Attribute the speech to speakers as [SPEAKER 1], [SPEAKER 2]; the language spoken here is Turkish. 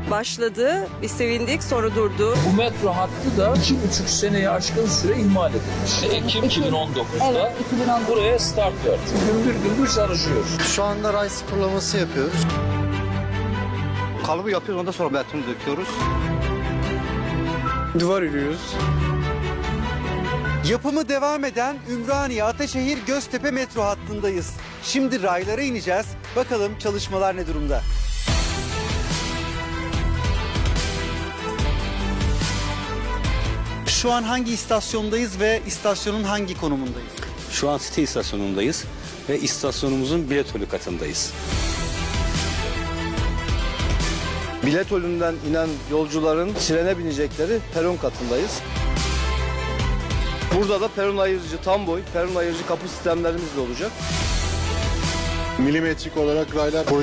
[SPEAKER 1] başladı. Biz sevindik, sonra durdu.
[SPEAKER 2] Bu metro hattı da 2,5 seneye aşkın süre ihmal edilmiş. Ekim 2019'da
[SPEAKER 3] Evet, 2019.
[SPEAKER 2] buraya start verdi. Gümbür çalışıyoruz.
[SPEAKER 4] Şu anda ray sıfırlaması yapıyoruz. Kalıbı yapıyoruz, ondan sonra betonu döküyoruz. Duvar örüyoruz.
[SPEAKER 5] Yapımı devam eden Ümraniye Ataşehir Göztepe metro hattındayız. Şimdi raylara ineceğiz. Bakalım çalışmalar ne durumda? Şu an hangi istasyondayız ve istasyonun hangi konumundayız?
[SPEAKER 6] Şu an City istasyonundayız ve istasyonumuzun biletölü katındayız.
[SPEAKER 7] Bilet önünden inen yolcuların trene binecekleri peron katındayız. Burada da peron ayırıcı tam boy, peron ayırıcı kapı sistemlerimiz de olacak.
[SPEAKER 8] Milimetrik olarak raylar